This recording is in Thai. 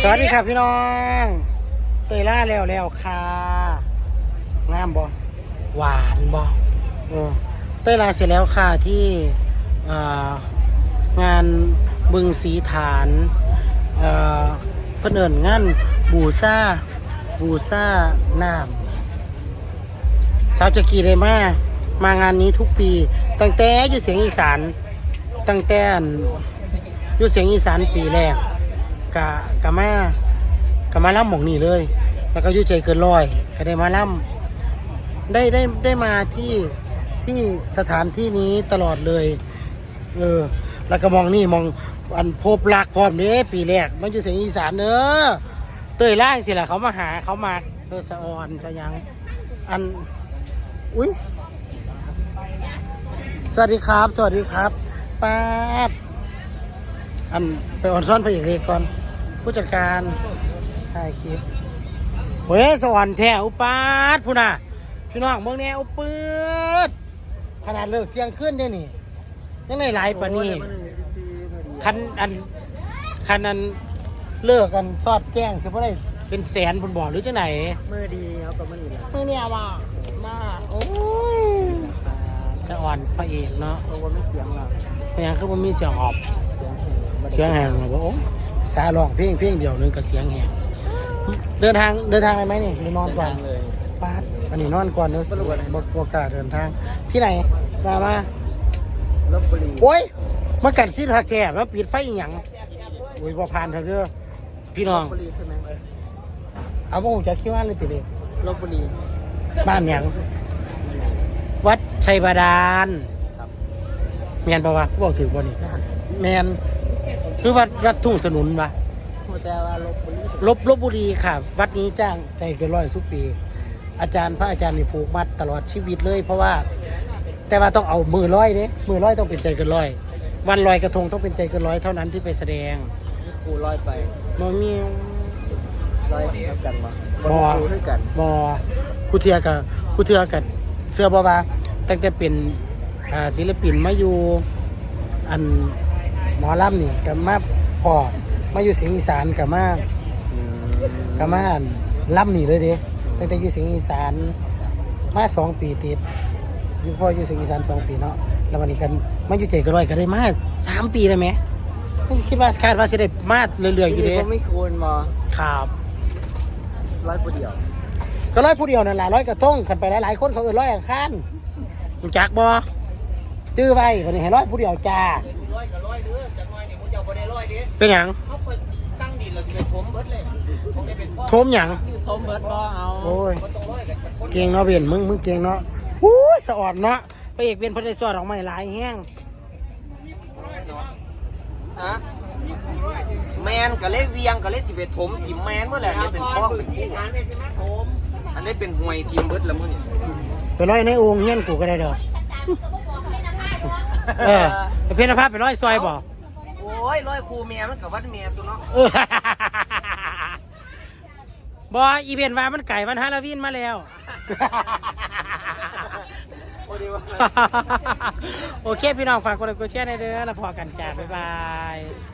สวัสดีครับพี่น้องเตยล่าแล้วค่ะงามบ่หวานบ่เตยล่าเสร็จแล้วค่ะที่งานบึงสีฐานเพิ่นเอิ้นงานบูชาน้ำสาวจักรีได้มางานนี้ทุกปีตั้งแต่อยู่เสียงอีสานตั้งแต่อยู่เสียงอีสานปีแรกกะมาล่ำหม่องนี่เลย แล้วก็อยู่ใจเกินร้อยก็ได้มาล่ำได้มาที่สถานที่นี้ตลอดเลยแล้วก็มองนี่มองอันพบรักพร้อมนี้ปีแรกมันอยู่เสียงอีสานเตยล่างสิล่ะเขามาหาเขามาสะออนจะยังอันอุ้ยสวัสดีครับป้าดอันไปออนซ้อนพระเอกเอกก่อนผู้จัดการถ่ายคลิปเฮ้ยสวรรค์แท้อุปาดพูน่ะพี่น้องเมืองแนวปืดขนาดเลิกเที่ยงขึ้นได้นี่ยังไงหลายปะนี่คันอันเลิกกันซอดแกล้งสิเพราะได้เป็นแสนบนบ่อหรือจะไหนมือดีเขากับมือดีแล้วมือเนี่ยว่ามาโอ้ยจะอ่อนพระเอกเนาะเพราะว่าไม่เสียงหรอกพยางคือมันมีเสียงออกเสียงแหงเหรอโอ้สาลองเพลงเดียวนึงกับเสียงแหงเดินทางอะไรไหมนี่หรือนอนก่อนเลยปาดอันนี้นอนก่อนเนอะบกาเดินทางที่ไหนมาลพบุรีโอ้ยมากัดซีทาแก่มาปิดไฟอีหยังโอ้ยพอผ่านเถอะเด้อพี่น้องลพบุรีใช่ไหมเอาโมจะคิดว่าเลยติเลยลพบุรีบ้านหยังวัดชัยบาดาลแมนปะวะกูบอกถือบ่นี่แมนคือวัดทุ่งสนุนปะแต่ว่าลพบุรีค่ะวัดนี้จ้างใจเกินร้อยทุกปีพระอาจารย์นี่ผูกมัดตลอดชีวิตเลยเพราะว่าแต่ว่าต้องเอามือร้อยต้องเป็นใจเกินร้อยวันลอยกระทงต้องเป็นใจเกินร้อยเท่านั้นที่ไปแสดงครูลอยไปมันมีลอยเท่ากันมั้บอครูเทียกับเสื้อบอบาตั้งแต่เป็นศิลปินมาอยู่อันหมอลำนี่กับมาอยู่เสียงอีสานกับมาล่ำนี่เลยเด้ตั้งแต่อยู่เสียงอีสานมา2 ปีติดอยู่พออยู่เสียงอีสาน2 ปีเนาะแล้ววันนี้กันมาอยู่ใจก็ร้อยก็ได้มา3 ปีเลยไหมคิดว่าคาดว่าจะได้มาเรื่อยๆอยู่เด้ไม่ควรมาครับร้อยผู้เดียวก็ร้อยผู้เดียวนั่นแหละร้อยกระทงขันไปหลายๆคนเขาร้อยอังคารรู้จักบ่จื้อไว้วันนี้ให้ร้อยผู้เดียวจ้าร้อยกับร้อยเด้อจากน้อยนี่มึงจะบ่ได้ร้อยเด้เป็นหยังเขาเคยตั้งดินแล้วจะไปถมเบิดเลยคงได้เป็นถมหยังถมเบิดบ่เอาโอ้ยเก่งเนาะเบียนมึงเก่งเนาะอู้สะอดเนาะพระเอกเบียนพระได้สอดออกมาหลายแห้งฮะแมนกับเล่เวียงกับเล่สิไปถมทีมแมนเมื่อไหร่เนี่ยเป็นท้องเป็นคู่อันนี้เป็นห่วยทีมเบิดแล้วมั้งเนี่ยไปร้อยในองค์เฮี้ยนกูก็ได้เด้อเพชรภาพไปร้อยซอยบ่โอ้ยร้อยครูเมียมันกับวัดเมียตัวเนาะบ่อีเวนต์ว่ามันไก่มันฮาโลวีนมาแล้วโอเคพี่น้องฝากกดไลค์กดแชร์ในเด้อแล้วพอกันจ้าบ๊ายบาย